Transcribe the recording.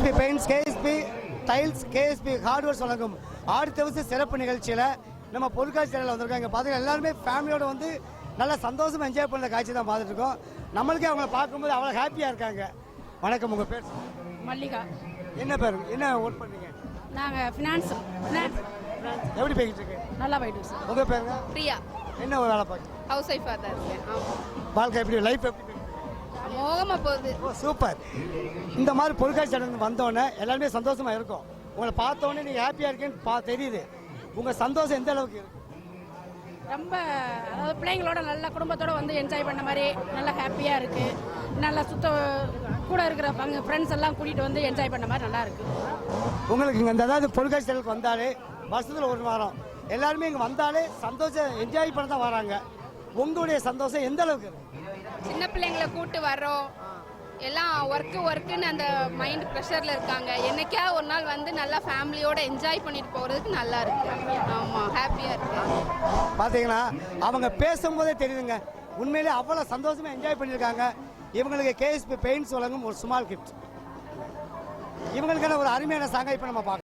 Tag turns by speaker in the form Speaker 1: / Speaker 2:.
Speaker 1: KSP paints, KSP tiles, KSP hardwares வழங்கும் ஆடித்தவசு சிறப்பு நிகழ்ச்சியில் நம்ம பொருட்காட்சி சேனலில் வந்திருக்கோம். இங்கே பார்த்தீங்கன்னா எல்லாருமே ஃபேமிலியோடு வந்து நல்லா சந்தோஷமாக என்ஜாய் பண்ணுற காட்சி தான் பார்த்துட்டு இருக்கோம். நம்மளுக்கே அவங்கள பார்க்கும்போது அவ்வளோ ஹாப்பியாக இருக்காங்க. வணக்கம், உங்கள் பேர்?
Speaker 2: மல்லிகா.
Speaker 1: என்ன பேர், என்ன ஒர்க் பண்ணுறீங்க?
Speaker 2: நாங்கள் ஃபினான்ஸ்.
Speaker 1: எப்படி போய்கிட்டு இருக்கு?
Speaker 2: நல்லா போயிட்டு சார்.
Speaker 1: உங்கள் பேருங்க?
Speaker 2: பிரியா.
Speaker 1: என்ன ஒரு வேலை பார்க்க?
Speaker 2: ஹவுஸ் ஒய்ஃபாக தான் இருக்கேன்.
Speaker 1: வாழ்க்கை எப்படி, லைஃப் எப்படி?
Speaker 2: மோகமாக போகுது.
Speaker 1: Oh super. இந்த மாதிரி பொருட்காட்சி சேனல் வந்தோடனே எல்லாருமே சந்தோஷமாக இருக்கும். உங்களை பார்த்தோன்னே நீங்கள் ஹாப்பியாக இருக்கேன்னு தெரியுது. உங்கள் சந்தோஷம் எந்த அளவுக்கு இருக்கு?
Speaker 2: ரொம்ப, அதாவது பிள்ளைங்களோட நல்ல குடும்பத்தோடு வந்து என்ஜாய் பண்ண மாதிரி நல்லா ஹாப்பியாக இருக்குது. நல்லா கூட இருக்கிற ஃப்ரெண்ட்ஸ் எல்லாம் கூட்டிகிட்டு வந்து என்ஜாய் பண்ண மாதிரி நல்லா இருக்குது.
Speaker 1: உங்களுக்கு இங்கே இந்த அதாவது பொருட்காட்சி சேனலுக்கு வந்தாலே வருஷத்தில் ஒரு வாரம் எல்லாருமே இங்கே வந்தாலே சந்தோஷம் என்ஜாய் பண்ண தான் வராங்க. உங்களுடைய சந்தோஷம் எந்த அளவுக்கு இருக்கு?
Speaker 3: சின்ன பிள்ளைங்களை கூட்டு வர்றோம், எல்லாம் ஒர்க்குன்னு அந்த மைண்ட் ப்ரெஷரில் இருக்காங்க. என்னைக்கா ஒரு நாள் வந்து நல்லா ஃபேமிலியோட என்ஜாய் பண்ணிட்டு போகிறதுக்கு நல்லா இருக்கு. ஆமாம், ஹாப்பியாக இருக்கு.
Speaker 1: பார்த்தீங்கன்னா அவங்க பேசும்போதே தெரியுதுங்க, உண்மையிலே அவ்வளோ சந்தோஷமாக என்ஜாய் பண்ணியிருக்காங்க. இவங்களுக்கு கேஎஸ்பி பெயிண்ட்ஸ் வழங்கும் ஒரு ஸ்மால் கிஃப்ட். இவங்களுக்கான ஒரு அருமையான சாங்கை இப்போ நம்ம பார்க்கலாம்.